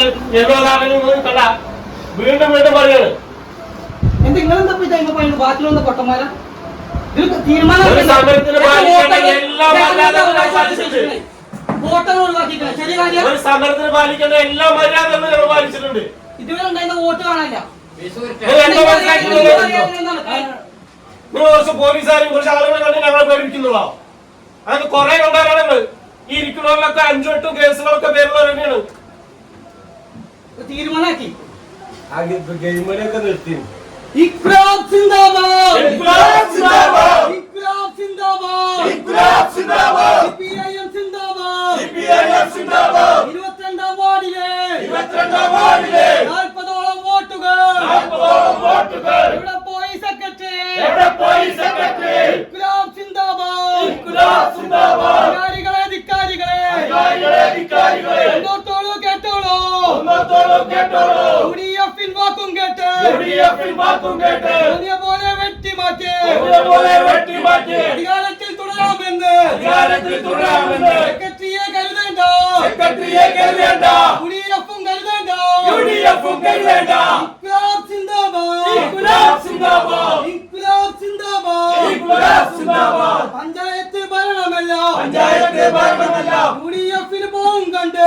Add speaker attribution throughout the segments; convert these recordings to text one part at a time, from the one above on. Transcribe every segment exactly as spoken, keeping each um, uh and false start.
Speaker 1: വീണ്ടും വീണ്ടും പറയാണ്
Speaker 2: എന്തെങ്കിലും ബാക്കിലുള്ള പൊട്ടന്മാരാ
Speaker 1: സമരത്തിന് സമരത്തിന് പാലിക്കേണ്ട എല്ലാ മര്യാദകളും ഞങ്ങൾ പാലിച്ചിട്ടുണ്ട്.
Speaker 2: ഇതുവരെ ഉണ്ടായിരുന്ന വോട്ട് കാണാനില്ല.
Speaker 1: നിങ്ങൾ കുറച്ച് പോലീസുകാരും കുറച്ച് ആളുകളെ കണ്ട് ഞങ്ങളെ പേടിപ്പിക്കുന്നുള്ളോ? അങ്ങനെ കുറെ കൊണ്ടാണ് നിങ്ങൾ ഈ ഇരിക്കുന്നവരിലൊക്കെ അഞ്ചു എട്ടും കേസുകളൊക്കെ പേരുള്ളവർ തന്നെയാണ്.
Speaker 2: തീരുമാനമാക്കി
Speaker 1: ഗെയിമിലൊക്കെ നിർത്തി.
Speaker 2: ഇൻക്ലാബ് സിന്ദാബാദ്, ഇൻക്ലാബ് സിന്ദാബാദ്, ഇൻക്ലാബ് സിന്ദാബാദ്, ഇൻക്ലാബ് സിന്ദാബാദ്, സിപിഐഎം സിന്ദാബാദ്, സിപിഐഎം സിന്ദാബാദ്. ഇരുപത്തിരണ്ടാം വാർഡിലെ ഇരുപത്തിരണ്ടാം വാർഡിലെ നാൽപ്പതോളം വോട്ടുകൾ നാൽപ്പതോളം വോട്ടുകൾ ഇവിടെ പോയി സെക്രട്ടറി ഇവിടെ പോയി സെക്രട്ടറി. ഇൻക്ലാബ് സിന്ദാബാദ്, ഇൻക്ലാബ് സിന്ദാബാദ്. അധികാരികളെ അധികാരികളെ അധികാരികളെ അധികാരികളെ ഒന്നോത്തോളൂ കേട്ടോളൂ ഒന്നോത്തോളൂ കേട്ടോളൂ. യുഡിഎഫിൻ വാക്കും കേട്ട് യുഡിഎഫിൻ വാക്കും കേട്ട് പോലെ വെട്ടിമാറ്റി പോലെ വെട്ടിമാറ്റി അധികാരത്തിൽ തുടരാമെന്ന് അധികാരത്തിൽ തുടരാമെന്ന് സെക്രട്ടറിയെ കരുതേണ്ട സെക്രട്ടറിയെ കരുതേണ്ട യുഡിഎഫും കരുതേണ്ട യുഡിഎഫും കരുതേണ്ട. ഇൻക്ലാബ് സിന്ദാബാദ്, ഇൻക്ലാബ് സിന്ദാബാദ്, ഇൻക്ലാബ് സിന്ദാബാദ്, ഇൻക്ലാബ് സിന്ദാബാദ്. പഞ്ചായത്ത് ഭരണമല്ല പഞ്ചായത്ത് ഭരണമല്ല യുഡിഎഫിന് പോകും കണ്ട്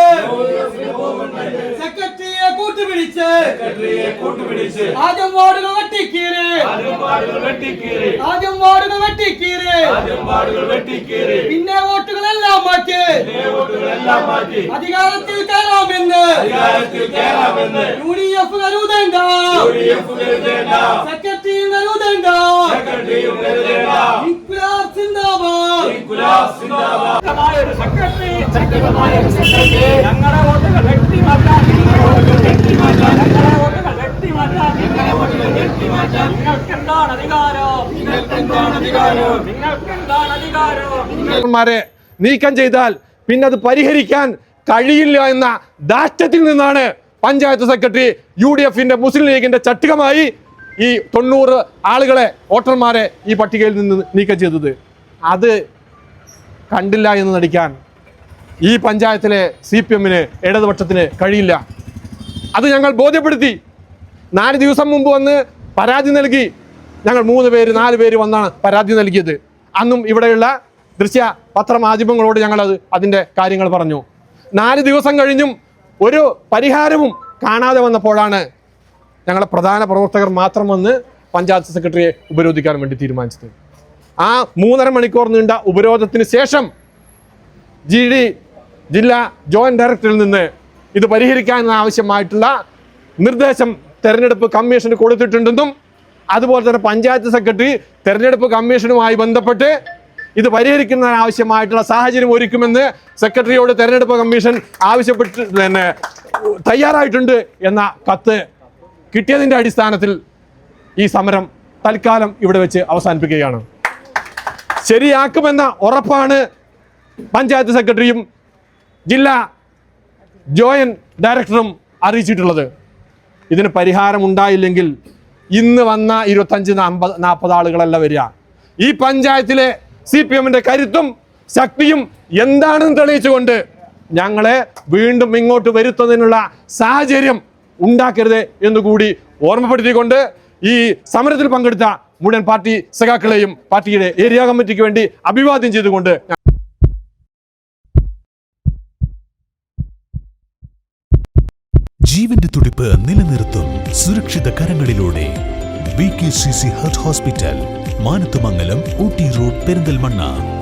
Speaker 2: സെക്രട്ടറിയെ കൂട്ടുപിടിച്ച് സെക്രട്ടറിയെ കൂട്ടുപിടിച്ച് ആദ്യം വാർഡുകൾ വെട്ടിക്കീറി ആദ്യം വാർഡുകൾ വെട്ടിക്കീറി ആദ്യം വാർഡുകൾ വെട്ടിക്കീറി ആദ്യം വാർഡുകൾ വെട്ടിക്കീറി. പിന്നെ വോട്ടുകളെല്ലാം മാറ്റി പിന്നെ വോട്ടുകളെല്ലാം മാറ്റി അധികാരത്തിൽ കയറാമെന്ന് അധികാരത്തിൽ കയറാമെന്ന് യുഡിഎഫ് കരുതേണ്ട യുഡിഎഫ് കരുതേണ്ട സെക്രട്ടറിയും കരുതേണ്ട സെക്രട്ടറിയും കരുതേണ്ട. ഇൻക്ലാബ് സിന്ദാബാദ്, ഇൻക്ലാബ് സിന്ദാബാദ്.
Speaker 3: ഒരു സെക്രട്ടറി ശക്തമായ ഒരു സെക്രട്ടറി ഞങ്ങളുടെ വോട്ടുകൾ വെട്ടിമാറ്റാൻ ഞങ്ങളുടെ വോട്ടുകൾ വെട്ടിമാറ്റാൻ ഞങ്ങളുടെ വോട്ടുകൾ വെട്ടിമാറ്റാൻ ഞങ്ങളുടെ വോട്ടുകൾ വെട്ടിമാറ്റാൻ നിങ്ങൾക്ക് എന്താണ് അധികാരം നിങ്ങൾക്ക് എന്താണ് അധികാരം നിങ്ങൾക്ക് എന്താണ് അധികാരം.
Speaker 4: നീക്കം ചെയ്താൽ പിന്നെ അത് പരിഹരിക്കാൻ കഴിയില്ല എന്ന ദാഷ്ട്യത്തിൽ നിന്നാണ് പഞ്ചായത്ത് സെക്രട്ടറി യു ഡി എഫിന്റെ മുസ്ലിം ലീഗിന്റെ ചട്ടുകമായി ഈ തൊണ്ണൂറ് ആളുകളെ വോട്ടർമാരെ ഈ പട്ടികയിൽ നിന്ന് നീക്കം ചെയ്തത്. അത് കണ്ടില്ല എന്ന് നടിക്കാൻ ഈ പഞ്ചായത്തിലെ സി പി എമ്മിന് ഇടതുപക്ഷത്തിന് കഴിയില്ല. അത് ഞങ്ങൾ ബോധ്യപ്പെടുത്തി. നാല് ദിവസം മുമ്പ് വന്ന് പരാതി നൽകി. ഞങ്ങൾ മൂന്ന് പേര് നാല് പേര് വന്നാണ് പരാതി നൽകിയത്. അന്നും ഇവിടെയുള്ള ദൃശ്യ പത്രമാധ്യമങ്ങളോട് ഞങ്ങളത് അതിൻ്റെ കാര്യങ്ങൾ പറഞ്ഞു. നാല് ദിവസം കഴിഞ്ഞും ഒരു പരിഹാരവും കാണാതെ വന്നപ്പോഴാണ് ഞങ്ങളെ പ്രധാന പ്രവർത്തകർ മാത്രം വന്ന് പഞ്ചായത്ത് സെക്രട്ടറിയെ ഉപരോധിക്കാൻ വേണ്ടി തീരുമാനിച്ചത്. ആ മൂന്നര മണിക്കൂർ നീണ്ട ഉപരോധത്തിന് ശേഷം ജി ഡി ജില്ലാ ജോയിന്റ് ഡയറക്ടറിൽ നിന്ന് ഇത് പരിഹരിക്കാൻ ആവശ്യമായിട്ടുള്ള നിർദ്ദേശം തെരഞ്ഞെടുപ്പ് കമ്മീഷന് കൊടുത്തിട്ടുണ്ടെന്നും അതുപോലെ തന്നെ പഞ്ചായത്ത് സെക്രട്ടറി തെരഞ്ഞെടുപ്പ് കമ്മീഷനുമായി ബന്ധപ്പെട്ട് ഇത് പരിഹരിക്കുന്നതിന് ആവശ്യമായിട്ടുള്ള സാഹചര്യം ഒരുക്കുമെന്ന് സെക്രട്ടറിയോട് തെരഞ്ഞെടുപ്പ് കമ്മീഷൻ ആവശ്യപ്പെട്ട് തന്നെ തയ്യാറായിട്ടുണ്ട് എന്ന കത്ത് കിട്ടിയതിൻ്റെ അടിസ്ഥാനത്തിൽ ഈ സമരം തൽക്കാലം ഇവിടെ വെച്ച് അവസാനിപ്പിക്കുകയാണ്. ശരിയാക്കുമെന്ന ഉറപ്പാണ് പഞ്ചായത്ത് സെക്രട്ടറിയും ജില്ലാ ജോയിന്റ് ഡയറക്ടറും അറിയിച്ചിട്ടുള്ളത്. ഇതിന് പരിഹാരം ഉണ്ടായില്ലെങ്കിൽ ഇന്ന് വന്ന ഇരുപത്തഞ്ച് അമ്പത് നാൽപ്പത് ആളുകളല്ല വരിക. ഈ പഞ്ചായത്തിലെ സി പി എമ്മിൻ്റെ കരുത്തും ശക്തിയും എന്താണെന്ന് തെളിയിച്ചുകൊണ്ട് ഞങ്ങളെ വീണ്ടും ഇങ്ങോട്ട് വരുത്തുന്നതിനുള്ള സാഹചര്യം ഉണ്ടാക്കരുത് എന്നുകൂടി ഓർമ്മപ്പെടുത്തിക്കൊണ്ട് ഈ സമരത്തിൽ പങ്കെടുത്ത മുഴുവൻ പാർട്ടി സഖാക്കളെയും പാർട്ടിയുടെ ഏരിയ കമ്മിറ്റിക്ക് വേണ്ടി അഭിവാദ്യം ചെയ്തുകൊണ്ട്
Speaker 5: ജീവന്റെ തുടിപ്പ് നിലനിർത്തും സുരക്ഷിത കരങ്ങളിലൂടെ B K C C heart hospital, Manathumangalam, Ooty road, Perinthalmanna.